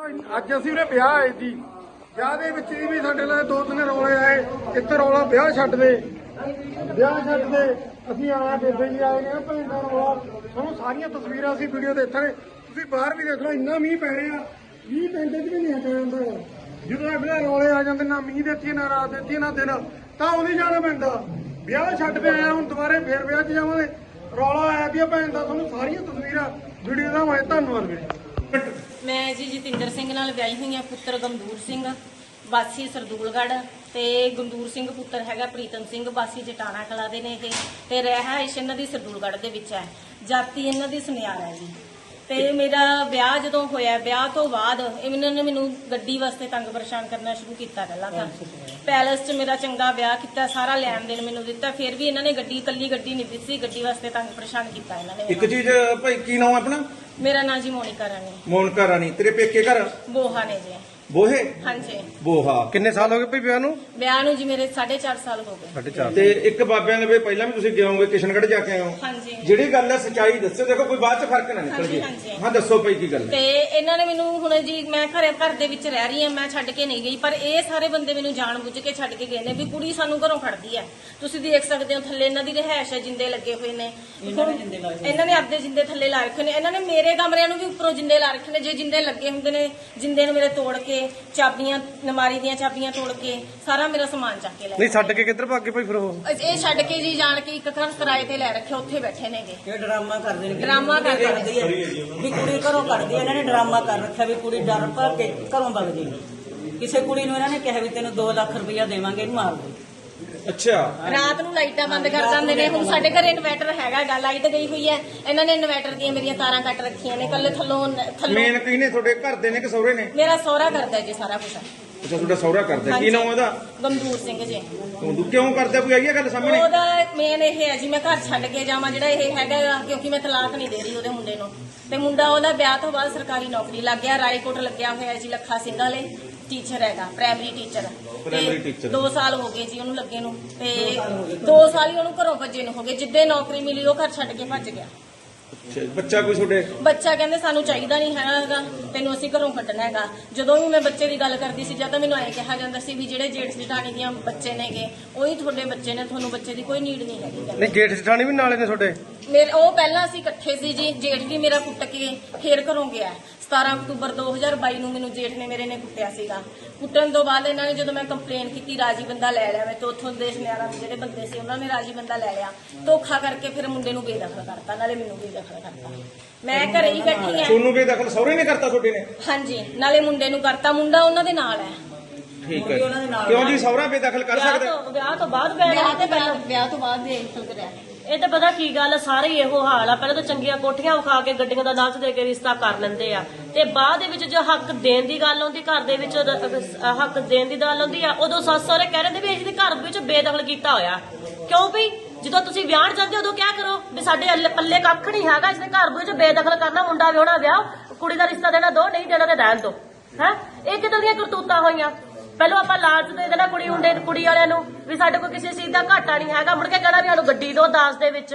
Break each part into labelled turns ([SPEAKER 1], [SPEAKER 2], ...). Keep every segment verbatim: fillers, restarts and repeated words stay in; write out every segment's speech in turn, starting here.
[SPEAKER 1] ਅੱਜ ਅਸੀਂ ਉਹਨੇ ਵਿਆਹ ਆਏ ਜੀ। ਵਿਆਹ ਦੇ ਵਿੱਚ ਵੀ ਸਾਡੇ ਨਾਲ ਦੋ ਤਿੰਨ ਰੌਲੇ ਆਏ। ਇੱਕ ਰੌਲਾ ਵਿਆਹ ਛੱਡ ਦੇ, ਵਿਆਹ ਛੱਡ ਦੇ। ਅਸੀਂ ਆਇਆ ਬੇਬੇ ਜੀ ਆਏ ਨੇ ਭੈਣ ਦਾ ਰੌਲਾ। ਤੁਹਾਨੂੰ ਸਾਰੀਆਂ ਤਸਵੀਰਾਂ ਅਸੀਂ ਵੀਡੀਓ ਦੇਖਾਂਗੇ। ਤੁਸੀਂ ਬਾਹਰ ਵੀ ਦੇਖ ਲਓ, ਇੰਨਾ ਮੀਂਹ ਪੈ ਰਿਹਾ, ਮੀਂਹ ਪੈਂਦੇ ਚ ਵੀ ਨਹੀਂ ਹਟਿਆ ਜਾਂਦਾ। ਜਦੋਂ ਅਗਲੇ ਰੌਲੇ ਆ ਜਾਂਦੇ, ਨਾ ਮੀਂਹ ਦਿੱਤੀ ਨਾ ਰਾਤ ਦਿੱਤੀ ਨਾ ਦਿਨ, ਤਾਂ ਉਹਦੀ ਜਾਣਾ ਪੈਂਦਾ। ਵਿਆਹ ਛੱਡ ਕੇ ਆਇਆ, ਹੁਣ ਦੁਬਾਰੇ ਫੇਰ ਵਿਆਹ 'ਚ ਜਾਵਾਂਗੇ। ਰੌਲਾ ਆਇਆ ਦੀ ਭੈਣ ਦਾ, ਤੁਹਾਨੂੰ ਸਾਰੀਆਂ ਤਸਵੀਰਾਂ ਵੀਡੀਓ ਦਾ ਮੈਂ ਧੰਨਵਾਦ ਵੀਰੇ।
[SPEAKER 2] ਮੈਂ ਜੀ ਜਤਿੰਦਰ ਸਿੰਘ ਨਾਲ ਵਿਆਹੀ ਹੋਈ ਹਾਂ। ਪੁੱਤਰ ਗੰਦੂਰ ਸਿੰਘ ਵਾਸੀ ਸਰਦੂਲਗੜ੍ਹ ਤੇ ਗੰਦੂਰ ਸਿੰਘ ਪੁੱਤਰ ਹੈਗਾ ਪ੍ਰੀਤਮ ਸਿੰਘ ਵਾਸੀ ਜਟਾਣਾ ਕਲਾ ਦੇ ਨੇ ਇਹ, ਤੇ ਰਿਹਾਇਸ਼ ਇਹਨਾਂ ਦੀ ਸਰਦੂਲਗੜ੍ਹ ਦੇ ਵਿੱਚ ਹੈ। ਜਾਤੀ ਇਹਨਾਂ ਦੀ ਸੁਨਿਆਰ ਹੈ ਜੀ। ਤੇ ਮੇਰਾ ਵਿਆਹ ਜਦੋਂ ਹੋਇਆ, ਵਿਆਹ ਤੋਂ ਬਾਅਦ ਇਹਨਾਂ ਨੇ ਮੈਨੂੰ ਗੱਡੀ ਵਾਸਤੇ ਤੰਗ ਪਰੇਸ਼ਾਨ ਕਰਨਾ ਸ਼ੁਰੂ ਕੀਤਾ। ਪਹਿਲਾਂ ਤਾਂ ਪੈਲਸ 'ਚ ਮੇਰਾ ਚੰਗਾ ਵਿਆਹ ਕੀਤਾ, ਸਾਰਾ ਲੈਣ ਦੇਣ ਮੈਨੂੰ ਦਿੱਤਾ, ਫਿਰ ਵੀ ਇਹਨਾਂ ਨੇ ਗੱਡੀ ਇਕੱਲੀ ਗੱਡੀ ਨਹੀਂ ਦਿੱਤੀ, ਗੱਡੀ ਵਾਸਤੇ ਤੰਗ ਪਰੇਸ਼ਾਨ ਕੀਤਾ ਇਹਨਾਂ ਨੇ।
[SPEAKER 3] ਇੱਕ ਚੀਜ਼ ਭਾਈ, ਕੀ ਨਾਮ ਆਪਣਾ?
[SPEAKER 2] ਮੇਰਾ ਨਾਂ ਜੀ ਮੋਨਿਕਾ ਰਾਣੀ।
[SPEAKER 3] ਮੋਨਿਕਾ ਰਾਣੀ। ਤੇਰੇ ਪੇਕੇ ਘਰ
[SPEAKER 2] ਬੋਹਾ ਨੇ ਜੀ।
[SPEAKER 3] ਬੋਹੇ?
[SPEAKER 2] ਹਾਂਜੀ।
[SPEAKER 3] ਬੋਹਾ।
[SPEAKER 1] ਕਿੰਨੇ ਸਾਲ ਹੋ ਗਏ ਭਾਈ ਵਿਆਹ ਨੂੰ?
[SPEAKER 2] ਵਿਆਹ ਨੂੰ ਜੀ ਮੇਰੇ ਸਾਢੇ ਚਾਰ ਸਾਲ ਹੋ ਗਏ।
[SPEAKER 1] ਸਾਢੇ ਚਾਰ।
[SPEAKER 3] ਤੇ ਇੱਕ ਬਾਬਿਆਂ ਦੇ ਵਿੱਚ ਪਹਿਲਾਂ ਵੀ ਤੁਸੀਂ ਗਏ ਹੋਗੇ, ਕਿਸ਼ਨਗੜ੍ਹ ਜਾ ਕੇ ਆਏ ਹੋ।
[SPEAKER 2] ਹਾਂਜੀ।
[SPEAKER 3] ਜਿਹੜੀ ਗੱਲ ਹੈ ਸੱਚਾਈ ਦੱਸੋ, ਦੇਖੋ ਕੋਈ ਬਾਅਦ ਚ ਫਰਕ ਨਾ ਨਿਕਲ ਜੇ।
[SPEAKER 2] ਹਾਂਜੀ।
[SPEAKER 3] ਹਾਂ ਦੱਸੋ ਭਾਈ ਕੀ ਗੱਲ ਹੈ?
[SPEAKER 2] ਤੇ ਇਹਨਾਂ ਨੇ ਮੈਨੂੰ ਹੁਣ ਜੀ, ਮੈਂ ਘਰੇ ਘਰ ਦੇ ਵਿੱਚ ਰਹਿ ਰਹੀ ਹਾਂ, ਮੈਂ ਛੱਡ ਕੇ ਨਹੀਂ ਗਈ, ਪਰ ਇਹ ਸਾਰੇ ਬੰਦੇ ਮੈਨੂੰ ਜਾਣ ਬੁੱਝ ਕੇ ਛੱਡ ਕੇ ਗਏ ਨੇ ਵੀ ਕੁੜੀ ਸਾਨੂੰ ਘਰੋਂ ਖੜਦੀ ਹੈ। ਤੁਸੀਂ ਦੇਖ ਸਕਦੇ ਹੋ ਥੱਲੇ ਇਹਨਾਂ ਦੀ ਰਿਹਾਇਸ਼ ਹੈ, ਜਿੰਦੇ ਲੱਗੇ ਹੋਏ ਨੇ। ਇਹਨਾਂ ਨੇ ਆਪਦੇ ਜਿੰਦੇ ਥੱਲੇ ਲਾ ਰੱਖੇ ਨੇ। ਇਹਨਾਂ ਨੇ ਮੇਰੇ ਕਮਰਿਆਂ ਨੂੰ ਵੀ ਉੱਪਰੋਂ ਜਿੰਦੇ ਲਾ ਰੱਖੇ ਨੇ। ਜੇ ਜਿੰਦੇ ਲੱਗੇ ਹੁੰਦੇ ਨੇ, ਜਿੰਦੇ ਨੂੰ ਮੇਰੇ ਤੋੜ ਕੇ, ਚਾਬੀਆਂ ਨਮਾਰੀ ਦੀਆਂ ਚਾਬੀਆਂ ਤੋੜ ਕੇ ਸਾਰਾ ਮੇਰਾ ਸਮਾਨ ਚੱਕ ਕੇ ਲੈ
[SPEAKER 1] ਨਹੀਂ ਛੱਡ ਕੇ ਕਿੱਧਰ ਭੱਗ ਗਏ ਭਾਈ ਫਿਰ ਉਹ?
[SPEAKER 2] ਇਹ ਛੱਡ ਕੇ ਜੀ ਜਾਣ ਕੇ ਇੱਕ ਘਰ ਕਿਰਾਏ ਤੇ ਲੈ ਰੱਖਿਆ, ਉੱਥੇ ਬੈਠੇ ਨੇਗੇ।
[SPEAKER 4] ਇਹ ਡਰਾਮਾ ਕਰਦੇ ਨੇ,
[SPEAKER 2] ਡਰਾਮਾ ਕਰਦੇ ਨੇ
[SPEAKER 4] ਵੀ ਕੁੜੀ ਘਰੋਂ ਕੱਢਦੀ। ਇਹਨਾਂ ਨੇ ਡਰਾਮਾ ਕਰ ਰੱਖਿਆ ਵੀ ਕੁੜੀ ਡਰ ਭਰ ਕੇ ਘਰੋਂ ਵਗ ਜਾਏਗੀ। ਕਿਸੇ ਕੁੜੀ ਨੂੰ ਇਹਨਾਂ ਨੇ ਕਿਹਾ ਵੀ ਤੈਨੂੰ ਦੋ ਲੱਖ ਰੁਪਇਆ ਦੇਵਾਂਗੇ, ਇਹਨੂੰ ਮਾਰ ਦੇ।
[SPEAKER 3] ਅੱਛਾ।
[SPEAKER 2] ਰਾਤ ਨੂੰ ਲਾਈਟਾਂ ਬੰਦ ਕਰ ਦਿੰਦੇ ਨੇ। ਹੁਣ ਸਾਡੇ ਘਰੇ ਇਨਵਰਟਰ ਹੈਗਾ ਗਾ, ਲਾਈਟ ਗਈ ਹੋਈ ਹੈ, ਇਹਨਾਂ ਨੇ ਇਨਵਰਟਰ ਦੀਆਂ ਮੇਰੀਆਂ ਤਾਰਾਂ ਕੱਟ ਰੱਖੀਆਂ ਨੇ। ਕੱਲੇ ਥੱਲੋਂ ਥੱਲੋਂ
[SPEAKER 3] ਮੇਨ ਕੀ ਨੇ ਤੁਹਾਡੇ ਘਰ ਦੇ ਨੇ ਕਿ ਸਹੁਰੇ ਨੇ?
[SPEAKER 2] ਮੇਰਾ ਸਹੁਰਾ ਕਰਦਾ ਜੀ ਸਾਰਾ ਕੁਝ।
[SPEAKER 3] ਅੱਛਾ, ਤੁਹਾਡਾ ਸਹੁਰਾ ਕਰਦਾ। ਕੀ ਨਾਮ ਉਹਦਾ?
[SPEAKER 2] ਗੰਦੂਰ ਸਿੰਘ ਜੀ।
[SPEAKER 3] ਤੂੰ ਕਿਉਂ ਕਰਦਾ? ਕੋਈ ਆਈ ਹੈ ਗੱਲ ਸਾਹਮਣੇ?
[SPEAKER 2] ਉਹਦਾ ਮੇਨ ਇਹ ਹੈ ਜੀ, ਮੈਂ ਘਰ ਛੱਡ ਕੇ ਜਾਵਾਂ ਜਿਹੜਾ ਇਹ ਹੈਗਾ, ਕਿਉਂਕਿ ਮੈਂ ਤਲਾਕ ਨਹੀਂ ਦੇ ਰਹੀ ਉਹਦੇ ਮੁੰਡੇ ਨੂੰ। ਤੇ ਮੁੰਡਾ ਉਹਦਾ ਵਿਆਹ ਤੋਂ ਬਾਅਦ ਸਰਕਾਰੀ ਨੌਕਰੀ ਲੱਗ ਗਿਆ, ਰਾਏਕੋਟ ਲੱਗਿਆ ਹੋਇਆ ਜੀ, ਲੱਖਾ ਸਿੰਘ ਵਾਲੇ ਟੀਚਰ ਹੈਗਾ, ਪ੍ਰਾਇਮਰੀ ਟੀਚਰ।
[SPEAKER 3] Primary teacher.
[SPEAKER 2] ਦੋ ਸਾਲ ਹੋ ਗਏ ਜੀ ਉਹਨੂੰ ਲੱਗੇ ਨੂੰ, ਤੇ ਦੋ ਸਾਲ ਹੀ ਉਹਨੂੰ ਘਰੋਂ ਭੱਜੇ ਨੂੰ ਹੋ ਗਏ। ਜਿੱਦੇ ਨੌਕਰੀ ਮਿਲੀ ਉਹ ਘਰ ਛੱਡ ਕੇ ਭੱਜ ਗਿਆ।
[SPEAKER 3] ਅੱਛਾ, ਬੱਚਾ ਕੋਈ ਤੁਹਾਡੇ?
[SPEAKER 2] ਬੱਚਾ ਕਹਿੰਦੇ ਸਾਨੂੰ ਚਾਹੀਦਾ ਨਹੀਂ ਹੈਗਾ, ਤੈਨੂੰ ਅਸੀਂ ਘਰੋਂ ਕੱਢਣਾ ਹੈਗਾ। ਜਦੋਂ ਵੀ ਮੈਂ ਬੱਚੇ ਦੀ ਗੱਲ ਕਰਦੀ ਸੀ, ਜਾਂ ਤਾਂ ਮੈਨੂੰ ਐਂ ਕਿਹਾ ਜਾਂਦਾ ਸੀ ਵੀ ਜਿਹੜੇ ਜੇਠ ਜਠਾਣੀ ਦੀਆਂ ਬੱਚੇ ਨੇਗੇ ਉਹੀ ਤੁਹਾਡੇ ਬੱਚੇ ਨੇ, ਤੁਹਾਨੂੰ ਬੱਚੇ ਦੀ ਕੋਈ ਨੀਡ ਨਹੀਂ ਹੈਗੀ।
[SPEAKER 1] ਨਹੀਂ ਜੇਠ ਜਠਾਣੀ ਵੀ ਨਾਲੇ ਨੇ ਤੁਹਾਡੇ?
[SPEAKER 2] ਮੇਰੇ ਉਹ ਪਹਿਲਾਂ ਅਸੀਂ ਇਕੱਠੇ ਸੀ ਜੀ। ਜੇਠ ਵੀ ਮੇਰਾ ਕੁੱਟ ਕੇ ਫੇਰ ਘਰੋਂ ਗਿਆ। ਸਤਾਰਾਂ ਅਕਤੂਬਰ ਦੋ ਹਜ਼ਾਰ ਬਾਈ ਨੂੰ ਮੈਨੂੰ ਜੇਠ ਨੇ ਮੇਰੇ ਨੇ ਕੁੱਟਿਆ ਸੀਗਾ। ਕੁੱਟਣ ਤੋਂ ਬਾਅਦ ਇਹਨਾਂ ਨੇ ਜਦੋਂ ਮੈਂ ਕੰਪਲੇਨ ਕੀਤੀ, ਰਾਜੀ ਬੰਦਾ ਲੈ ਲਿਆ ਮੈਂ ਤੇ ਉੱਥੋਂ ਦੇ ਸੁਨਿਆਰਾਂ ਦੇ ਜਿਹੜੇ ਬੰਦੇ ਸੀ ਉਹਨਾਂ ਨੇ ਰਾਜੀ ਬੰਦਾ ਲੈ ਲਿਆ। ਧੋਖਾ ਕਰਕੇ ਫਿਰ ਮੁੰਡੇ ਨੂੰ ਬੇਦਖਲ ਕਰਤਾ, ਨਾਲੇ ਮੈਨੂੰ ਬੇਦਖਲ ਕਰਤਾ। ਮੈਂ ਘਰੇ ਹੀ ਬੈਠੀ ਆ।
[SPEAKER 3] ਤੁਹਾਨੂੰ ਬੇਦਖਲ ਸਹੁਰੇ ਨੇ ਕਰਤਾ ਤੁਹਾਡੇ ਨੇ?
[SPEAKER 2] ਹਾਂਜੀ, ਨਾਲੇ ਮੁੰਡੇ ਨੂੰ ਕਰਤਾ। ਮੁੰਡਾ ਉਹਨਾਂ ਦੇ ਨਾਲ ਹੈ।
[SPEAKER 3] ਠੀਕ ਹੈ। ਕਿਉਂ ਜੀ ਸਹੁਰਾ ਬੇਦਖਲ ਕਰ ਸਕਦਾ?
[SPEAKER 4] ਵਿਆਹ ਤੋਂ ਬਾਅਦ
[SPEAKER 2] ਵਿਆਹ ਤੇ ਪਹਿਲਾਂ ਵਿਆਹ ਤੋਂ ਬਾਅਦ ਬੇਦਖਲ ਕਰਿਆ।
[SPEAKER 5] ਇਹ ਤਾਂ ਪਤਾ ਕੀ ਗੱਲ, ਸਾਰੇ ਹੀ ਇਹੋ ਹਾਲ ਆ। ਪਹਿਲਾਂ ਤਾਂ ਚੰਗੀਆਂ ਕੋਠੀਆਂ ਵਿਖਾ ਕੇ ਗੱਡੀਆਂ ਦਾ ਲਾਲਚ ਦੇ ਕੇ ਰਿਸ਼ਤਾ ਕਰ ਲੈਂਦੇ ਆ, ਤੇ ਬਾਅਦ ਦੇ ਵਿੱਚ ਜੋ ਹੱਕ ਦੇਣ ਦੀ ਗੱਲ ਆਉਂਦੀ, ਘਰ ਦੇ ਵਿੱਚ ਹੱਕ ਦੇਣ ਦੀ ਗੱਲ ਆਉਂਦੀ ਆ, ਉਦੋਂ ਸੱਸ ਸਹੁਰੇ ਕਹਿ ਰਹੇ ਵੀ ਅਸੀਂ ਘਰ ਵਿੱਚ ਬੇਦਖਲ ਕੀਤਾ ਹੋਇਆ। ਕਿਉਂ ਵੀ ਜਦੋਂ ਤੁਸੀਂ ਵਿਆਹ ਜਾਂਦੇ ਉਦੋਂ ਕਿਆ ਕਰੋ ਵੀ ਸਾਡੇ ਪੱਲੇ ਕੱਖ ਨਹੀਂ ਹੈਗਾ, ਇਸਨੇ ਘਰ ਵਿੱਚ ਬੇਦਖਲ ਕਰਨਾ, ਮੁੰਡਾ ਵਿਆਹਣਾ ਵਿਆਹ, ਕੁੜੀ ਦਾ ਰਿਸ਼ਤਾ ਦੇਣਾ ਦੋ, ਨਹੀਂ ਦੇਣਾ ਤੇ ਰਹਿਣ ਦੋ। ਹੈ ਇਹ ਕਿਦਾਂ ਦੀਆਂ ਕਰਤੂਤਾਂ ਹੋਈਆਂ? ਪਹਿਲਾਂ ਆਪਾਂ ਲਾਲਚ ਦੇ ਦੇਣਾ ਕੁੜੀ ਮੁੰਡੇ ਕੁੜੀ ਵਾਲਿਆਂ ਨੂੰ ਵੀ ਸਾਡੇ ਕੋਲ ਕਿਸੇ ਚੀਜ਼ ਦਾ ਘਾਟਾ ਨਹੀਂ ਹੈਗਾ, ਮੁੜ ਕੇ ਕਹਿਣਾ ਵੀ ਸਾਨੂੰ ਗੱਡੀ ਦੋ ਦਾਜ ਦੇ ਵਿੱਚ।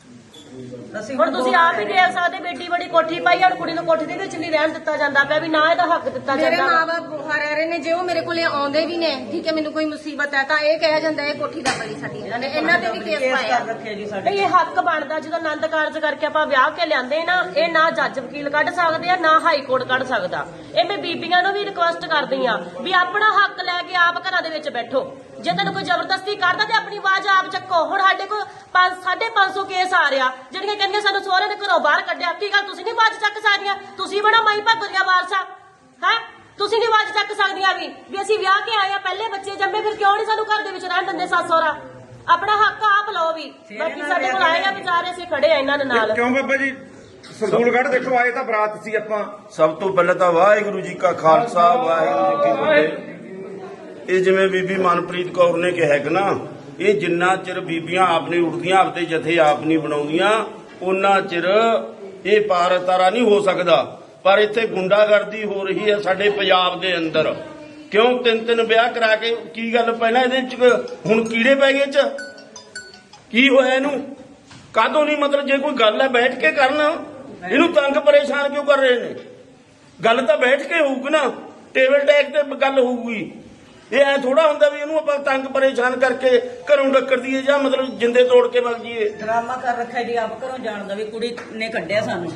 [SPEAKER 5] ਹੁਣ ਤੁਸੀਂ ਆਪ ਹੀ ਦੇਖ ਸਕਦੇ, ਬੇਟੀ ਬੜੀ ਕੋਠੀ ਪਾਈ, ਹੁਣ ਕੁੜੀ ਨੂੰ ਕੋਠੀ ਦੇ ਵਿੱਚ ਨਹੀਂ ਰਹਿਣ ਦਿੱਤਾ ਜਾਂਦਾ ਪਿਆ, ਵੀ ਨਾ ਇਹਦਾ ਹੱਕ ਦਿੱਤਾ ਜਾਂਦਾ।
[SPEAKER 2] ਮੇਰੇ ਮਾਂ-ਬਾਪ ਬੁਖਾਰ ਰਹਿ ਰਹੇ ਨੇ, ਜੇ ਉਹ ਮੇਰੇ ਕੋਲੇ ਆਉਂਦੇ ਵੀ ਨੇ, ਠੀਕ ਹੈ, ਮੈਨੂੰ ਕੋਈ ਮੁਸੀਬਤ ਹੈ ਤਾਂ ਇਹ ਕਿਹਾ ਜਾਂਦਾ ਇਹ ਕੋਠੀ ਦਾ ਬਲੀ ਸਾਡੀ। ਇਹਨਾਂ ਨੇ ਇਹਨਾਂ ਤੇ ਵੀ ਕੇਸ ਪਾਇਆ।
[SPEAKER 5] ਨਹੀਂ ਇਹ ਹੱਕ ਬਣਦਾ, ਜਦੋਂ ਆਨੰਦ ਕਾਰਜ ਕਰਕੇ ਆਪਾਂ ਵਿਆਹ ਕੇ ਲਿਆਂਦੇ ਨਾ, ਇਹ ਨਾ ਜੱਜ ਵਕੀਲ ਕੱਢ ਸਕਦੇ ਆ, ਨਾ ਹਾਈ ਕੋਰਟ ਕੱਢ ਸਕਦਾ। ਇਹ ਮੈਂ ਬੀਬੀਆਂ ਨੂੰ ਵੀ ਰਿਕੁਐਸਟ ਕਰਦੀ ਆ ਵੀ ਆਪਣਾ ਹੱਕ ਲੈ ਕੇ ਆਪ ਘਰਾਂ ਦੇ ਵਿੱਚ ਬੈਠੋ। ਜੇ ਤੈਨੂੰ ਕੋਈ ਜ਼ਬਰਦਸਤੀ ਕਰਦਾ ਤੇ ਆਪਣੀ ਆਵਾਜ਼ ਆਪ ਚੱਕੋ। ਹੁਣ ਸਾਡੇ ਕੋਲ ਸਾਢੇ ਪੰਜ ਸੌ ਕੇਸ ਆ ਰਿਹਾ, ਜਿਹੜੀਆਂ ਕਹਿੰਦੀਆਂ ਸਾਨੂੰ ਸਹੁਰੇ ਨੇ ਘਰੋਂ ਬਾਹਰ ਕੱਢਿਆ। ਕੀ ਗੱਲ ਤੁਸੀਂ ਨਹੀਂ ਆਵਾਜ਼ ਚੱਕ ਸਕਦੀਆਂ? ਤੁਸੀਂ ਬਣਾ ਮਾਈ ਭਾਗੋ ਦੀਆਂ ਵਾਰਸਾਂ ਹੈ, ਤੁਸੀਂ ਨਹੀਂ ਆਵਾਜ਼ ਚੱਕ ਸਕਦੀਆਂ ਵੀ ਵੀ ਅਸੀਂ ਵਿਆਹ ਕੇ ਆਏ ਆ, ਪਹਿਲੇ ਬੱਚੇ ਜੰਮੇ, ਫਿਰ ਕਿਉਂ ਨਹੀਂ ਸਾਨੂੰ ਘਰ ਦੇ ਵਿੱਚ ਰਹਿਣ ਦਿੰਦੇ ਸੱਸ ਸਹੁਰਾ? ਆਪਣਾ ਹੱਕ ਆਪ ਲਓ ਵੀ। ਬਾਕੀ ਸਾਡੇ ਕੋਲ ਆਏਗਾ ਵਿਚਾਰੇ, ਅਸੀਂ ਖੜੇ ਆ ਇਹਨਾਂ ਦੇ ਨਾਲ।
[SPEAKER 3] ਕਿਉਂ ਬਾਬਾ ਜੀ? ਸਰਦੂਲਗੜ੍ਹ ਦੇਖੋ ਆਏ ਤਾਂ ਬਰਾਤ ਸੀ ਆਪਾਂ।
[SPEAKER 6] ਸਭ ਤੋਂ ਪਹਿਲਾਂ ਤਾਂ ਵਾਹਿਗੁਰੂ ਜੀ ਕਾ ਖਾਲਸਾ, ਵਾਹਿਗੁਰੂ ਜੀ ਕੀ ਫਤਿਹ। ਇਹ ਜਿਵੇਂ ਬੀਬੀ ਮਨਪ੍ਰੀਤ ਕੌਰ ਨੇ ਕਿਹਾ ਕਿ ਨਾ, ਇਹ ਜਿੰਨਾ ਚਿਰ ਬੀਬੀਆਂ ਆਪ ਨਹੀਂ ਉੱਠਦੀਆਂ, ਆਪਦੇ ਜਥੇ ਆਪ ਨਹੀਂ ਬਣਾਉਂਦੀਆਂ, ਉਹਨਾਂ ਚਿਰ ਇਹ ਪਾਰ ਤਾਰਾ ਨਹੀਂ ਹੋ ਸਕਦਾ। ਪਰ ਇੱਥੇ ਗੁੰਡਾਗਰਦੀ ਹੋ ਰਹੀ ਹੈ ਸਾਡੇ ਪੰਜਾਬ ਦੇ ਅੰਦਰ। ਕਿਉਂ ਤਿੰਨ ਤਿੰਨ ਵਿਆਹ ਕਰਾ ਕੇ? ਕੀ ਗੱਲ ਪਹਿਲਾਂ ਇਹਦੇ ਚ ਹੁਣ ਕੀੜੇ ਪੈ ਗਏ ਚ? ਕੀ ਹੋਇਆ ਇਹਨੂੰ? ਕਾਹਦੋਂ ਨਹੀਂ? ਮਤਲਬ ਜੇ ਕੋਈ ਗੱਲ ਹੈ ਬੈਠ ਕੇ ਕਰਨ, ਇਹਨੂੰ ਤੰਗ ਪਰੇਸ਼ਾਨ ਕਿਉਂ ਕਰ ਰਹੇ ਨੇ? ਗੱਲ ਤਾਂ ਬੈਠ ਕੇ ਹੋਊਗੀ ਨਾ, ਟੇਬਲ ਟੈਕ ਤੇ ਗੱਲ ਹੋਊਗੀ। ਇਹ ਐ ਥੋੜਾ ਹੁੰਦਾ ਵੀ ਇਹਨੂੰ ਆਪਾਂ ਤੰਗ ਪਰੇਸ਼ਾਨ ਕਰਕੇ ਘਰੋਂ ਡੱਕਰ ਦਈਏ ਜਾਂ ਮਤਲਬ ਜਿੰਦੇ ਤੋੜ ਕੇ ਵਗ ਜੀਏ।
[SPEAKER 4] ਡਰਾਮਾ ਕਰ ਰੱਖਿਆ ਜੀ, ਆਪ ਘਰੋਂ ਜਾਣਦਾ ਵੀ ਕੁੜੀ ਨੇ ਕੱਢਿਆ ਸਾਨੂੰ।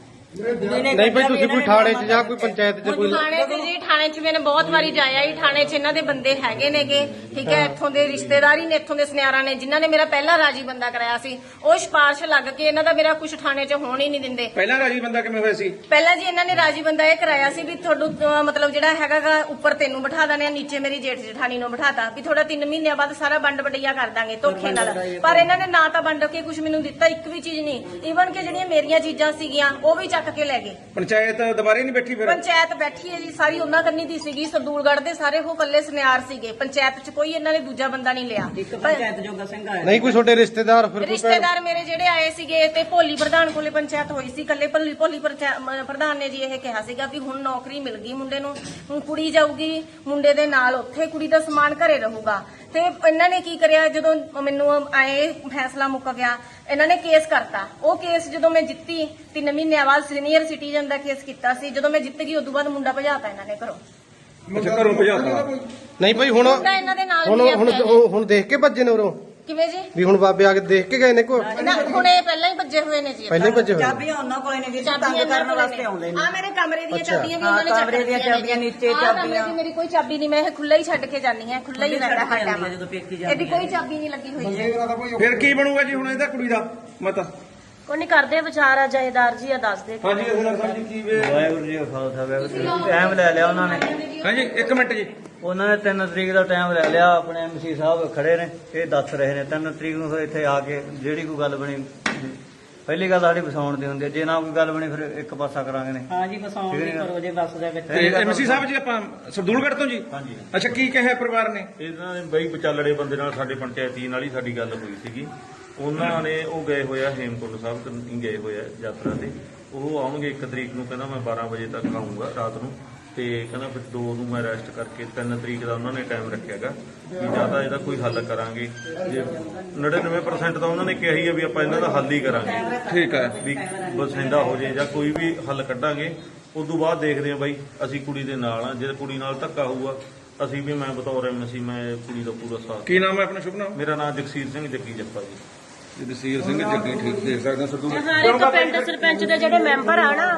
[SPEAKER 1] ਨਹੀਂ ਭਾਈ ਤੁਸੀਂ ਕੋਈ ਥਾਣੇ 'ਚ ਜਾਂ ਕੋਈ ਪੰਚਾਇਤ 'ਚ ਕੋਈ
[SPEAKER 2] ਥਾਣੇ ਤੇ ਜੀ, ਥਾਣੇ 'ਚ ਮੈंने ਬਹੁਤ ਵਾਰੀ ਜਾਇਆ ਹੀ। ਥਾਣੇ 'ਚ ਇਹਨਾਂ ਦੇ ਬੰਦੇ ਹੈਗੇ ਨੇਗੇ, ਠੀਕ ਹੈ, ਇੱਥੋਂ ਦੇ ਰਿਸ਼ਤੇਦਾਰੀ ਨੇ, ਇੱਥੋਂ ਦੇ ਸੁਨਿਆਰਾਂ ਨੇ, ਜਿਨ੍ਹਾਂ ਨੇ ਮੇਰਾ ਪਹਿਲਾ ਰਾਜੀ ਬੰਦਾ ਕਰਾਇਆ ਸੀ। ਉਹ ਸਿਫਾਰਿਸ਼ ਲੱਗ ਕੇ ਇਹਨਾਂ ਦਾ ਮੇਰਾ ਕੁਝ ਥਾਣੇ 'ਚ ਹੋਣ ਹੀ ਨਹੀਂ ਦਿੰਦੇ।
[SPEAKER 3] ਪਹਿਲਾਂ ਰਾਜੀ ਬੰਦਾ ਕਿਵੇਂ ਹੋਇਆ ਸੀ?
[SPEAKER 2] ਪਹਿਲਾਂ ਜੀ ਇਹਨਾਂ ਨੇ ਰਾਜੀ ਬੰਦਾ ਇਹ ਕਰਾਇਆ ਸੀ ਵੀ ਤੁਹਾਨੂੰ ਅਹ ਮਤਲਬ ਜਿਹੜਾ ਹੈਗਾ ਗਾ ਉੱਪਰ ਤੈਨੂੰ ਬਿਠਾ ਦਾਨੇ, ਨੀਚੇ ਮੇਰੀ ਜੇਠ ਜਠਾਣੀ ਨੂੰ ਬਿਠਾਤਾ ਵੀ ਥੋੜਾ ਤਿੰਨ ਮਹੀਨਿਆਂ ਬਾਅਦ ਸਾਰਾ ਵੰਡ ਵਡਈਆ ਕਰ ਦਾਂਗੇ ਧੋਖੇ ਨਾਲ। ਪਰ ਇਹਨਾਂ ਨੇ ਨਾ ਤਾਂ ਵੰਡ ਕੇ ਕੁਝ ਮੈਨੂੰ ਦਿੱਤਾ, ਇੱਕ ਵੀ ਚੀਜ਼ ਨਹੀਂ। ਈਵਨ ਕਿ ਜਿਹੜੀਆਂ ਮੇਰੀਆਂ ਚੀਜ਼ਾਂ ਸੀਗੀਆਂ ਉਹ ਵੀ ਚੱਕ ਕੇ ਲੈ ਗਏ।
[SPEAKER 3] ਪੰਚਾਇਤ ਦੁਬਾਰੇ ਨਹੀਂ ਬੈਠੀ ਫਿਰ?
[SPEAKER 2] ਪੰਚਾਇਤ ਬੈਠੀ ਹੈ ਜੀ, ਸਾਰੀ ਉਹਨਾਂ ਕੰਨੀ ਦੀ ਸੀਗੀ। ਸਰਦੂਲਗੜ੍ਹ ਦੇ ਸਾਰੇ ਉਹ ਕੱਲੇ ਸੁਨਿਆਰ ਸੀਗੇ। ਪੰਚਾਇਤ 'ਚ ਕੋਈ ਇਹਨਾਂ ਨੇ ਦੂਜਾ ਬੰਦਾ ਨਹੀਂ ਲਿਆ।
[SPEAKER 4] ਇੱਕ ਪੰਚਾਇਤ ਜੋਗਾ ਸਿੰਘ ਆਇਆ।
[SPEAKER 1] ਨਹੀਂ ਕੋਈ ਤੁਹਾਡੇ ਰਿਸ਼ਤੇਦਾਰ ਫਿਰ ਕੋਈ
[SPEAKER 2] ਰਿਸ਼ਤੇਦਾਰ ਮੇਰੇ ਜਿਹੜੇ ਆਏ ਸੀਗੇ ਤੇ ਭੋਲੀ ਪ੍ਰਧਾਨ ਕੋਲੇ ਪੰਚਾਇਤ ਹੋਈ ਸੀ। ਕੱਲੇ ਭੋਲੀ ਭੋਲੀ ਪ੍ਰਚਾ- ਮ- ਪ੍ਰਧਾਨ ਨੇ ਜੀ ਇਹ ਕਿਹਾ ਸੀਗਾ ਵੀ ਹੁਣ ਨੌਕਰੀ ਮਿਲ ਗਈ ਮੁੰਡੇ ਨੂੰ, ਹੁਣ ਕੁੜੀ ਜਾਊਗੀ ਮੁੰਡੇ ਦੇ ਨਾਲ, ਉੱਥੇ ਕੁੜੀ ਦਾ ਸਮਾਨ ਘਰੇ ਰਹੂਗਾ। ਤੇ ਇਹਨਾਂ ਨੇ ਕੀ ਕਰਿਆ, ਜਦੋਂ ਮੈਨੂੰ ਆਏ ਫੈਸਲਾ ਮੁੱਕ ਗਿਆ, ਇਹਨਾਂ ਨੇ ਕੇਸ ਕਰਤਾ। ਉਹ ਕੇਸ ਜਦੋਂ ਮੈਂ ਜਿੱਤੀ, ਤਿੰਨ ਮਹੀਨਿਆਂ ਬਾਅਦ ਸੀਨੀਅਰ ਸਿਟੀਜ਼ਨ ਦਾ ਕੇਸ ਕੀਤਾ ਸੀ। ਜਦੋਂ ਮੈਂ ਜਿੱਤ ਗਈ ਉਦੋਂ ਬਾਅਦ ਮੁੰਡਾ ਭਜਾਤਾ ਇਹਨਾਂ ਨੇ ਘਰੋਂ।
[SPEAKER 3] ਅੱਛਾ, ਘਰੋਂ ਭਜਾਤਾ।
[SPEAKER 1] ਨਹੀਂ ਭਾਈ ਹੁਣ
[SPEAKER 2] ਮੁੰਡਾ ਇਹਨਾਂ ਦੇ ਨਾਲ
[SPEAKER 1] ਹੁਣ
[SPEAKER 2] ਹੀ
[SPEAKER 1] ਹੁਣ
[SPEAKER 2] ਆ।
[SPEAKER 1] ਹੁਣ ਦੇਖ ਕੇ ਭੱਜੇ ਨੇ ਉਰੋਂ
[SPEAKER 2] ਕਿਵੇਂ ਜੀ?
[SPEAKER 1] ਵੀ ਹੁਣ ਬਾਬੇ ਆ ਕੇ ਦੇਖ ਕੇ ਗਏ ਨੇ ਕੋ
[SPEAKER 2] ਨਾ ਹੁਣ ਇਹ ਪਹਿਲਾਂ ਹੀ ਭੱਜੇ ਹੋਏ ਨੇ ਜੀ।
[SPEAKER 1] ਪਹਿਲਾਂ ਹੀ ਭੱਜੇ ਹੋਏ ਨੇ।
[SPEAKER 4] ਚਾਬੀਆਂ ਉਹਨਾਂ ਕੋਲੇ ਨੇ ਵੀਰ ਜੀ, ਤੰਗ ਕਰਨ ਵਾਸਤੇ ਆਉਂਦੇ ਨੇ।
[SPEAKER 2] ਆ ਮੇਰੇ ਕਮਰੇ ਦੀਆਂ
[SPEAKER 1] ਅੱਛਾ।
[SPEAKER 2] ਚਾਬੀਆਂ ਵੀ ਉਹਨਾਂ ਨੇ
[SPEAKER 4] ਹਾਂ,
[SPEAKER 2] ਚੱਕ
[SPEAKER 4] ਕਮਰੇ ਦੀਆਂ
[SPEAKER 2] ਦਿੱਤੀਆਂ ਨੇ
[SPEAKER 4] ਚਾਬੀਆਂ,
[SPEAKER 2] ਜੀ।
[SPEAKER 4] ਨੀਚੇ
[SPEAKER 2] ਆਹ ਕਮਰੇ
[SPEAKER 4] ਚਾਬੀਆਂ।
[SPEAKER 2] ਦੀ ਮੇਰੀ ਕੋਈ ਚਾਬੀ ਨਹੀਂ, ਮੈਂ ਇਹ ਖੁੱਲਾ ਹੀ ਛੱਡ ਕੇ ਜਾਂਦੀ ਹਾਂ, ਖੁੱਲਾ ਹੀ ਰਹਿੰਦਾ ਹਰ
[SPEAKER 4] ਜਾਂਦੀ
[SPEAKER 2] ਟਾਈਮ।
[SPEAKER 4] ਹੈ ਜਦੋਂ ਪੇਕੀ
[SPEAKER 2] ਇਹਦੀ
[SPEAKER 4] ਜਾਂਦੀ
[SPEAKER 2] ਕੋਈ ਚਾਬੀ ਨਹੀਂ ਲੱਗੀ ਹੋਈ ਹੈ।
[SPEAKER 3] ਫਿਰ ਕੀ ਬਣੂਗਾ ਜੀ ਹੁਣ ਇਹਦਾ ਕੁੜੀ ਦਾ ਮਤਾ?
[SPEAKER 5] ਕੋਈ ਨਹੀਂ ਕਰਦੇ ਵਿਚਾਰ ਆ ਜਹੇਦਾਰ ਜੀ ਆ ਦੱਸ ਦੇ।
[SPEAKER 3] ਹਾਂਜੀ ਅਸਲ ਸਾਹਿਬ ਜੀ ਕੀ ਵੇ?
[SPEAKER 7] ਵਾਹਿਗੁਰੂ ਜੀ ਕਾ ਖਾਲਸਾ ਵਾਹਿਗੁਰੂ ਜੀ ਕੀ ਫਤਿਹ। ਟਾਈਮ ਲੈ ਲਿਆ ਉਹਨਾਂ ਨੇ
[SPEAKER 3] ਹਾਂਜੀ ਇੱਕ ਮਿੰਟ ਜੀ।
[SPEAKER 7] ਉਹਨਾਂ ਨੇ ਤਿੰਨ ਤਰੀਕ ਦਾ ਟਾਈਮ ਲੈ ਲਿਆ। ਆਪਣੇ ਐਮਸੀ ਸਾਹਿਬ ਖੜੇ ਨੇ, ਇਹ ਦੱਸ ਰਹੇ ਨੇ ਤਿੰਨ ਤਰੀਕ ਨੂੰ ਫਿਰ ਇੱਥੇ ਆ ਕੇ ਜਿਹੜੀ ਕੋਈ ਗੱਲ ਬਣੀ, ਪਹਿਲੀ ਗੱਲ ਸਾਡੀ ਵਸਾਉਣ ਦੀ ਹੁੰਦੀ ਹੈ। ਜੇ ਨਾ ਕੋਈ ਗੱਲ ਬਣੀ ਫਿਰ ਇੱਕ ਪਾਸਾ ਕਰਾਂਗੇ ਨੇ।
[SPEAKER 4] ਹਾਂ ਜੀ, ਵਸਾਉਣ ਦੀ ਕਰੋ ਜੇ ਬੱਸ ਦੇ ਵਿੱਚ।
[SPEAKER 3] ਤੇ ਐਮਸੀ ਸਾਹਿਬ ਜੀ ਆਪਾਂ ਸਰਦੂਲਗੜ੍ਹ ਤੋਂ ਜੀ?
[SPEAKER 8] ਹਾਂਜੀ।
[SPEAKER 3] ਅੱਛਾ, ਕੀ ਕਿਹਾ ਪਰਿਵਾਰ ਨੇ?
[SPEAKER 8] ਇਹਨਾਂ ਨੇ ਬਈ ਵਿਚਾਲੜੇ ਬੰਦੇ ਨਾਲ ਸਾਡੇ ਪੰਚਾਇਤੀ ਨਾਲ ਹੀ ਸਾਡੀ ਗੱਲ ਹੋਈ ਸੀਗੀ। ਉਹਨਾਂ ਨੇ ਉਹ ਗਏ ਹੋਇਆ ਹੇਮਕੁੰਟ ਸਾਹਿਬ ਤੋਂ ਗਏ ਹੋਇਆ ਯਾਤਰਾ ਤੇ। ਉਹ ਆਉਣਗੇ ਇੱਕ ਤਰੀਕ ਨੂੰ, ਕਹਿੰਦਾ ਮੈਂ ਬਾਰਾਂ ਵਜੇ ਤੱਕ ਆਊਂਗਾ ਰਾਤ ਨੂੰ, ਤੇ ਕਹਿੰਦਾ ਫਿਰ ਦੋ ਨੂੰ ਮੈਂ ਰੈਸਟ ਕਰਕੇ ਤਿੰਨ ਤਰੀਕ ਦਾ ਉਹਨਾਂ ਨੇ ਟਾਈਮ ਰੱਖਿਆਗਾ ਵੀ ਜਾਂ ਤਾਂ ਇਹਦਾ ਕੋਈ ਹੱਲ ਕਰਾਂਗੇ। ਜੇ ਨੜਿਨਵੇਂ ਪਰਸੈਂਟ ਤਾਂ ਉਹਨਾਂ ਨੇ ਕਿਹਾ ਹੀ ਆ ਵੀ ਆਪਾਂ ਇਹਨਾਂ ਦਾ ਹੱਲ ਹੀ ਕਰਾਂਗੇ।
[SPEAKER 3] ਠੀਕ ਹੈ।
[SPEAKER 8] ਵੀ ਬਸਿੰਦਾ ਹੋ ਜੇ ਜਾਂ ਕੋਈ ਵੀ ਹੱਲ ਕੱਢਾਂਗੇ। ਉਸ ਤੋਂ ਬਾਅਦ ਦੇਖਦੇ ਹਾਂ ਬਾਈ, ਅਸੀਂ ਕੁੜੀ ਦੇ ਨਾਲ ਆ। ਜੇ ਕੁੜੀ ਨਾਲ ਧੱਕਾ ਹੋਊਗਾ ਅਸੀਂ ਵੀ, ਮੈਂ ਬਤੌਰ ਐਮਸੀ ਮੈਂ ਕੁੜੀ ਦਾ ਪੂਰਾ ਸਾਥ।
[SPEAKER 3] ਕੀ ਨਾਮ ਹੈ ਆਪਣਾ ਸ਼ੁਭ ਨਾਮ?
[SPEAKER 8] ਮੇਰਾ ਨਾਮ ਜਗਸੀਰ ਸਿੰਘ ਜੱਗੀ ਜੱਪਾ ਜੀ।
[SPEAKER 3] ਜਗਸੀਰ ਸਿੰਘ ਜੱਗੀ, ਠੀਕ ਦੇਖ ਸਕਦੇ ਸਰਦੂਲਗੜ੍ਹ।
[SPEAKER 5] ਹਰ ਇੱਕ ਪਿੰਡ ਸਰਪੰਚ ਦੇ ਜਿਹੜੇ ਮੈਂਬਰ ਆ ਨਾ,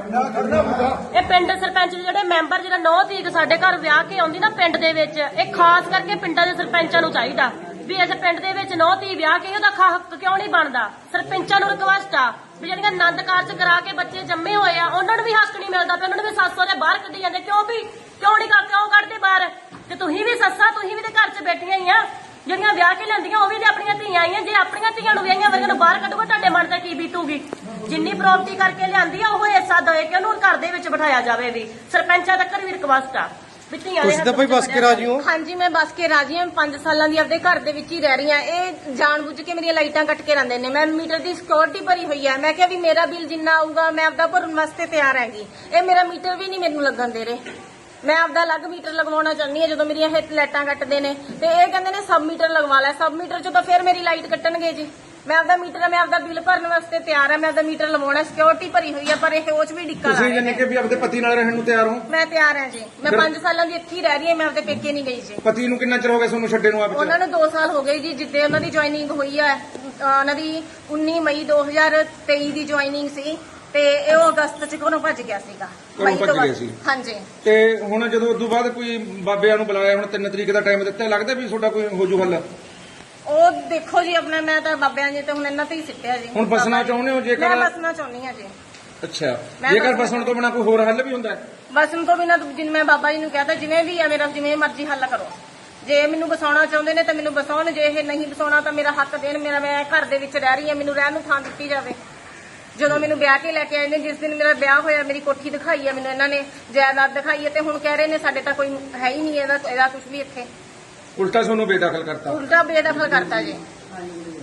[SPEAKER 5] ਇਹ ਪਿੰਡ ਸਰਪੰਚ ਦੇ ਜਿਹੜੇ ਮੈਂਬਰ ਜਿਹੜਾ ਨੌ ਤਰੀਕ ਸਾਡੇ ਘਰ ਵਿਆਹ ਕੇ ਆਉਂਦੀ ਨਾ ਪਿੰਡ ਦੇ ਵਿੱਚ, ਇਹ ਖਾਸ ਕਰਕੇ ਪਿੰਡਾਂ ਦੇ ਸਰਪੰਚਾਂ ਨੂੰ ਚਾਹੀਦਾ ਵੀ ਇਸ ਪਿੰਡ ਦੇ ਵਿੱਚ ਨੌ ਧੀ ਵਿਆਹ ਕੇ ਉਹਦਾ ਹੱਕ ਕਿਉਂ ਨਹੀਂ ਬਣਦਾ। ਸਰਪੰਚਾਂ ਨੂੰ ਰਿਕਵੈਸਟ ਆ ਵੀ ਜਿਹੜੀਆਂ ਆਨੰਦ ਕਾਰਜ ਕਰਾ ਕੇ ਬੱਚੇ ਜੰਮੇ ਹੋਏ ਆ ਉਹਨਾਂ ਨੂੰ ਵੀ ਹੱਕ ਨਹੀਂ ਮਿਲਦਾ ਪਿਆ। ਉਹਨਾਂ ਨੂੰ ਵੀ ਸੱਸ ਦੇ ਬਾਹਰ ਕੱਢੀ ਜਾਂਦੇ, ਕਿਉਂ ਵੀ ਕਿਉਂ ਨਹੀਂ ਕਿਉਂ ਕੱਢਦੇ ਬਾਹਰ? ਤੇ ਤੁਸੀਂ ਵੀ ਸੱਸਾਂ, ਤੁਸੀਂ ਵੀ ਤੇ ਘਰ 'ਚ ਬੈਠੀਆਂ ਹੀ ਆ, ਜਿਹੜੀਆਂ ਵਿਆਹ ਕੇ ਲੈਂਦੀਆਂ ਉਹ ਵੀ ਤੇ ਆਪਣੀਆਂ ਧੀਆਂ ਆਈਆਂ। ਜੇ ਆਪਣੀਆਂ ਧੀਆਂ ਨੂੰ ਵਿਆਹੀਆਂ ਵਰਗਾਂ ਨੂੰ ਬਾਹਰ ਕੱਢੋਗੇ ਤੁਹਾਡੇ ਮਨ ਤੇ ਕੀ ਬੀਤੂਗੀ? ਜਿੰਨੀ ਪ੍ਰਾਪਰਟੀ ਕਰਕੇ ਲਿਆਂਦੀ ਆ ਉਹ ਹਿੱਸਾ ਦੇ ਕੇ ਉਹਨੂੰ ਘਰ ਦੇ ਵਿੱਚ ਬਿਠਾਇਆ ਜਾਵੇ। ਵੀ ਸਰਪੰਚਾਂ ਤੱਕ ਵੀ ਰਿਕਵੈਸਟ ਆ ਵੀ ਧੀਆਂ ਦੇ
[SPEAKER 1] ਤੁਸੀਂ ਤਾਂ ਭਾਈ ਬਸ ਕੇ ਰਾਜੀ ਹੋ?
[SPEAKER 2] ਹਾਂਜੀ, ਮੈਂ ਬਸ ਕੇ ਰਾਜੀ ਹਾਂ। ਪੰਜ ਸਾਲਾਂ ਦੀ ਆਪਦੇ ਘਰ ਦੇ ਵਿੱਚ ਹੀ ਰਹਿ ਰਹੀ ਹਾਂ। ਇਹ ਜਾਣਬੁੱਝ ਕੇ ਮੇਰੀਆਂ ਲਾਈਟਾਂ ਕੱਟ ਕੇ ਰਹਿੰਦੇ ਨੇ। ਮੈਂ ਮੀਟਰ ਦੀ ਸਿਕਿਉਰਿਟੀ ਭਰੀ ਹੋਈ ਹੈ। ਮੈਂ ਕਿਹਾ ਵੀ ਮੇਰਾ ਬਿੱਲ ਜਿੰਨਾ ਆਊਗਾ ਮੈਂ ਆਪਦਾ ਭਰਨ ਵਾਸਤੇ ਤਿਆਰ ਹੈਗੀ। ਇਹ ਮੇਰਾ ਮੀਟਰ ਵੀ ਨਹੀਂ ਮੈਨੂੰ ਲੱਗਣ ਦੇ ਰਹੇ। ਮੈਂ ਆਪਦਾ ਅਲੱਗ ਮੀਟਰ ਲਗਵਾਉਣਾ ਚਾਹੁੰਦੀ ਹਾਂ। ਜਦੋਂ ਮੇਰੀਆਂ ਇਹ ਲਾਈਟਾਂ ਕੱਟਦੇ ਨੇ ਤੇ ਇਹ ਕਹਿੰਦੇ ਨੇ ਸਬ ਮੀਟਰ ਲਗਵਾ ਲੈ। ਸਬ ਮੀਟਰ 'ਚ ਤਾਂ ਫਿਰ ਮੇਰੀ ਲਾਈਟ ਕੱਟਣਗੇ ਜੀ। ਮੈਂ ਆਪਦਾ ਮੀਟਰ, ਮੈਂ ਆਪਦਾ ਬਿੱਲ ਭਰਨ ਵਾਸਤੇ ਤਿਆਰ ਹਾਂ। ਮੈਂ ਆਪਦਾ ਮੀਟਰ ਲਵਾਉਣਾ, ਸਿਕਿਉਰਿਟੀ ਭਰੀ ਹੋਈ ਹੈ, ਪਰ ਇਹ ਉਹ 'ਚ ਵੀ ਡਿੱਕਾ ਲਾ
[SPEAKER 3] ਤੁਸੀਂ
[SPEAKER 2] ਰਹੇ
[SPEAKER 3] ਜਾਨੀ
[SPEAKER 2] ਨੇ।
[SPEAKER 3] ਕਿ ਵੀ ਆਪਦੇ ਪਤੀ ਨਾਲ ਰਹਿਣ ਨੂੰ ਤਿਆਰ ਹੋ?
[SPEAKER 2] ਮੈਂ ਤਿਆਰ ਹਾਂ ਜੀ। ਮੈਂ ਪੰਜ ਸਾਲਾਂ ਦੀ ਇੱਥੇ ਹੀ ਰਹਿ ਰਹੀ ਹਾਂ। ਮੈਂ ਆਪਦੇ ਪੇਕੇ ਨਹੀਂ ਗਈ ਜੀ।
[SPEAKER 3] ਪਤੀ ਨੂੰ ਕਿੰਨਾ ਚਿਰ ਹੋ ਗਿਆ ਤੁਹਾਨੂੰ ਛੱਡੇ ਨੂੰ? ਆਪ
[SPEAKER 2] ਉਹਨਾਂ ਨੂੰ ਦੋ ਸਾਲ ਹੋ ਗਏ ਜੀ, ਜਿੱਦੇ ਉਹਨਾਂ ਦੀ ਜੁਆਇਨਿੰਗ ਹੋਈ ਹੈ। ਅਹ ਉਹਨਾਂ ਦੀ ਉੱਨੀ ਮਈ ਦੋ ਹਜ਼ਾਰ ਤੇਈ ਦੀ ਜੁਆਇਨਿੰਗ ਸੀ ਤੇ ਇਹ ਉਹ ਅਗਸਤ 'ਚ ਘਰੋਂ ਭੱਜ ਗਿਆ ਸੀਗਾ।
[SPEAKER 3] ਘਰੋਂ
[SPEAKER 2] ਮਈ ਤੋਂ
[SPEAKER 3] ਭੱਜ ਗਿਆ
[SPEAKER 2] ਬਾਅਦ।
[SPEAKER 3] ਸੀ।
[SPEAKER 2] ਹਾਂਜੀ।
[SPEAKER 3] ਤੇ ਹੁਣ ਜਦੋਂ ਉਦੋਂ ਬਾਅਦ ਕੋਈ ਬਾਬਿਆਂ ਨੂੰ ਬੁਲਾਇਆ, ਹੁਣ ਤਿੰਨ ਤਰੀਕ ਦਾ ਟਾਈਮ ਦਿੱਤਾ, ਲੱਗਦਾ ਵੀ ਤੁਹਾਡਾ ਕੋਈ ਹੋ ਜੂ ਹੱਲ?
[SPEAKER 2] ਉਹ ਦੇਖੋ ਜੀ, ਆਪਣਾ ਮੈਂ ਤਾਂ ਬਾਬਿਆਂ ਜੀ ਤੇ ਹੁਣ ਇਹਨਾਂ ਤੇ ਹੀ ਸਿੱਟਿਆ ਜੀ।
[SPEAKER 3] ਹੁਣ ਬਸਣਾ ਚਾਹੁੰਦੇ ਹੋ ਜੇਕਰ?
[SPEAKER 2] ਮੈਂ ਬਸਣਾ ਚਾਹੁੰਦੀ ਹਾਂ ਜੀ।
[SPEAKER 3] ਅੱਛਾ,
[SPEAKER 2] ਮੈਂ
[SPEAKER 3] ਜੇਕਰ
[SPEAKER 2] ਬਸਣਾ-
[SPEAKER 3] ਬਸਣ ਤੋਂ ਬਿਨਾਂ ਕੋਈ ਹੋਰ ਹੱਲ ਵੀ ਹੁੰਦਾ ਹੈ?
[SPEAKER 2] ਬਸਣ ਤੋਂ ਬਿਨਾਂ ਜਿਵੇਂ ਮੈਂ ਬਾਬਾ ਜੀ ਨੂੰ ਕਹਤਾ ਜਿਵੇਂ ਵੀ ਆ ਮੇਰਾ, ਜਿਵੇਂ ਮਰਜ਼ੀ ਹੱਲ ਕਰੋ। ਜੇ ਮੈਨੂੰ ਬਸਾਉਣਾ ਚਾਹੁੰਦੇ ਨੇ ਤਾਂ ਮੈਨੂੰ ਬਸਾਉਣ, ਜੇ ਇਹ ਨਹੀਂ ਬਸਾਉਣਾ ਤਾਂ ਮੇਰਾ ਹੱਕ ਦੇਣ। ਮੇਰਾ, ਮੈਂ ਘਰ ਦੇ ਵਿੱਚ ਰਹਿ ਰਹੀ ਹਾਂ, ਮੈਨੂੰ ਰਹਿਣ ਨੂੰ ਥਾਂ ਦਿੱਤੀ ਜਾਵੇ। ਜਦੋਂ ਮੈਨੂੰ ਵਿਆਹ ਕੇ ਲੈ ਕੇ ਆਏ ਨੇ, ਜਿਸ ਦਿਨ ਮੇਰਾ ਵਿਆਹ ਹੋਇਆ ਮੇਰੀ ਕੋਠੀ ਦਿਖਾਈ ਹੈ ਮੈਨੂੰ ਇਹਨਾਂ ਨੇ, ਜਾਇਦਾਦ ਦਿਖਾਈ ਹੈ, ਤੇ ਹੁਣ ਕਹਿ ਰਹੇ ਨੇ ਸਾਡੇ ਤਾਂ ਕੋਈ ਹੈ ਹੀ ਨਹੀਂ ਇਹਦਾ ਇਹਦਾ ਕੁਝ ਵੀ ਇੱਥੇ।
[SPEAKER 3] ਉਲਟਾ ਤੁਹਾਨੂੰ ਬੇਦਖਲ ਕਰਤਾ?
[SPEAKER 2] ਉਲਟਾ ਬੇਦਖਲ ਕਰਤਾ ਜੀ।